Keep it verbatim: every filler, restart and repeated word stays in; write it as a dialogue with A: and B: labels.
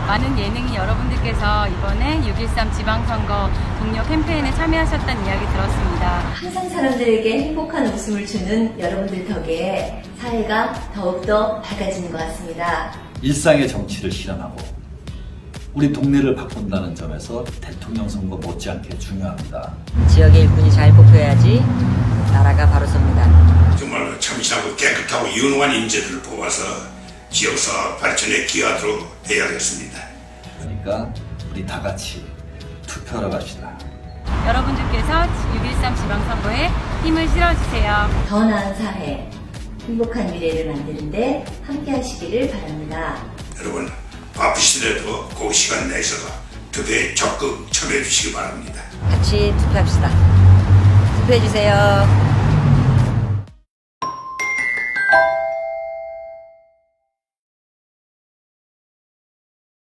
A: 많은 예능인 여러분들께서 이번에 육일삼 지방선거 동료 캠페인에 참여하셨다는 이야기 들었습니다.
B: 항상 사람들에게 행복한 웃음을 주는 여러분들 덕에 사회가 더욱더 밝아지는 것 같습니다.
C: 일상의 정치를 실현하고 우리 동네를 바꾼다는 점에서 대통령 선거 못지않게 중요합니다.
D: 지역의 일꾼이 잘 뽑혀야지 나라가 바로 섭니다.
E: 정말로 참신하고 깨끗하고 유능한 인재들을 뽑아서 지역사회 발전에 기여하도록 해야겠습니다.
C: 그러니까 우리 다 같이 투표하러 갑시다.
A: 여러분들께서 육일삼 지방선거에 힘을 실어주세요.
B: 더 나은 사회, 행복한 미래를 만드는데 함께 하시기를 바랍니다.
E: 여러분 바쁘시더라도 그 시간 내셔서 투표에 적극 참여해 주시기 바랍니다.
D: 같이 투표합시다. 투표해주세요.